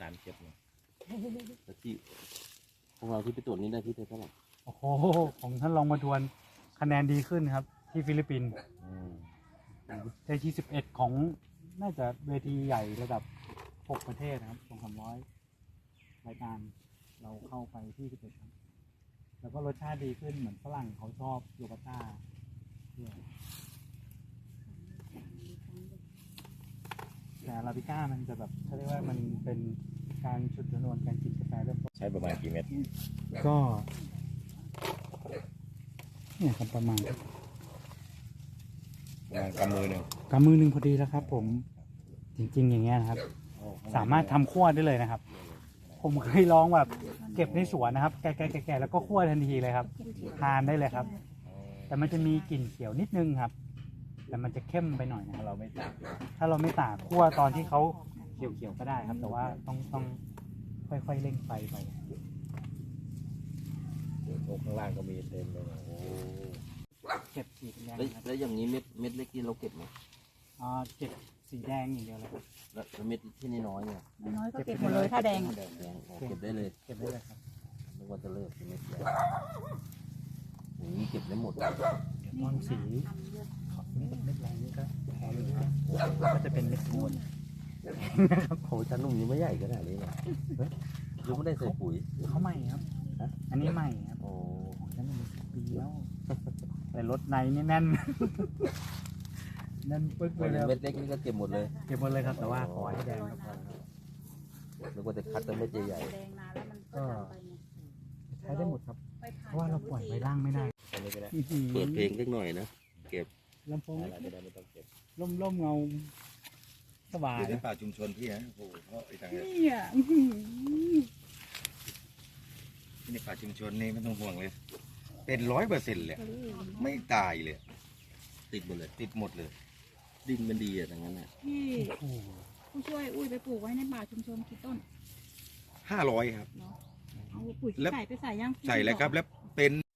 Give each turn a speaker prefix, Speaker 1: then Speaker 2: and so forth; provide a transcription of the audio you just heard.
Speaker 1: การเก็บเนี่ยแล้วที่ของเราที่ไปตรวจนี่ได้ที่เท่าไหร่
Speaker 2: โอ้โหของท่านรองประทวนคะแนนดีขึ้นครับ ที่ฟิลิปปินส์ได้ที่11ของน่าจะเวทีใหญ่ระดับ6ประเทศนะครับ200-300รายการเราเข้าไปที่11ครับแล้วก็รสชาติดีขึ้นเหมือนฝรั่งเขาชอบโยกาต้าด้วยแต่อาราบิก้ามันจะแบบเขาเรียกว่ามันเป็นการฉุดชนวนการกินกาแฟเริ่มต้น
Speaker 1: ใช้ประมาณกี่เม็ด
Speaker 2: ก็เนี่ยครับประมาณ
Speaker 1: กำมือหนึ่ง
Speaker 2: กำมือหนึ่งพอดีแล้วครับ ผมจริงๆอย่างเงี้ยนะครับ สามารถทำคั่วได้เลยนะครับ ผมเคยลองแบบเก็บในสวนนะครับแก่ๆแล้วก็คั่วทันทีเลยครับทานได้เลยครับ แต่มันจะมีกลิ่นเขียวนิดนึงครับ แต่มันจะเข้มไปหน่อยนะครับ
Speaker 1: เราไม่ตาก
Speaker 2: ถ้าเราไม่ตากคั่วตอนที่เขาเขียวๆก็ได้ครับ แต่ว่าต้องค่อยๆเร่งไฟไป
Speaker 1: โอ้ข้างล่างก็มีเต็มเลยโอ้
Speaker 2: เก็บสีแดงครับ
Speaker 1: แล้วอย่างนี้เม็ดเล็กที่เราเก็บไหม
Speaker 2: เก็บสีแดงอย่างเดียวเลยครับ
Speaker 1: แล้วเม็ดที่น้อยเนี่ย
Speaker 3: น้อยก็เก็บหมดเลยถ้าแดงอะ
Speaker 1: แดงเก็บได้เลย
Speaker 2: เก็บได้เลยครับ
Speaker 1: นึกว่าจะเลิกเม็ดใหญ่อย่างนี้เก็บได้หมด
Speaker 2: ตอนสีเม็ดแดงนี่ก็พอเลยครับก็จะเป็นเม็ดโทน
Speaker 1: โอ้จานนุ่มยังไม่ใหญ่ขนาดนี้เลยยังไม่ได้ใส่ปุ๋ย
Speaker 2: เขาใหม่ครับ
Speaker 1: ฮะ
Speaker 2: อันนี้ใหม่ครับ
Speaker 1: โอ้
Speaker 2: ของฉันมันปีแล้ว แต่รถในนี่แน่น แน่นปึ๊กเลยครับ
Speaker 1: เม็ดเล็กนี่ก็เก็บหมดเลย
Speaker 2: เก็บหมดเลยครับ แต่ว่าขอให้แดงครับ
Speaker 1: นึกว่าจะคัดแต่เม็ดใหญ่
Speaker 3: แดงนานแล้วมันก็ดำไปไง
Speaker 2: ใช้ได้หมดครับ
Speaker 3: ไปผ่
Speaker 2: เพราะว่าเราปล่อยไว้ล่างไม่ได้
Speaker 1: ๆอันนี้ก็ได้เปิดเพลงสักหน่อยนะเก็บ
Speaker 2: ลำโพง
Speaker 1: อะไรก็ได้ไม่ต้องเก็บ
Speaker 2: ร่มเงาสบาย
Speaker 4: อยู่ใน
Speaker 2: นะ
Speaker 4: ป่าชุมชนพี่นะโอ้โหเพราะไอ้ทางนี้
Speaker 3: เนี่ยอื้อหือ
Speaker 4: ที่ในป่าชุมชนนี่ไม่ต้องห่วงเลย เป็น100%เลยไม่ตายเลย
Speaker 1: ติดหมดเลย
Speaker 4: ติดหมดเลย
Speaker 1: ดินมันดีอ่ะอย่างนั้นอ่ะ
Speaker 3: พี่
Speaker 2: โอ้โห
Speaker 3: ผู้ช่วยอุ้ยไปปลูกไว้ในป่าชุมชนกี่ต้น
Speaker 4: 500ครับ
Speaker 3: เนาะเอาปุ๋ย
Speaker 4: แล้ว
Speaker 3: ใส่ไปใส่ย่าง
Speaker 4: ใส่แล้วครับแล้วเป็น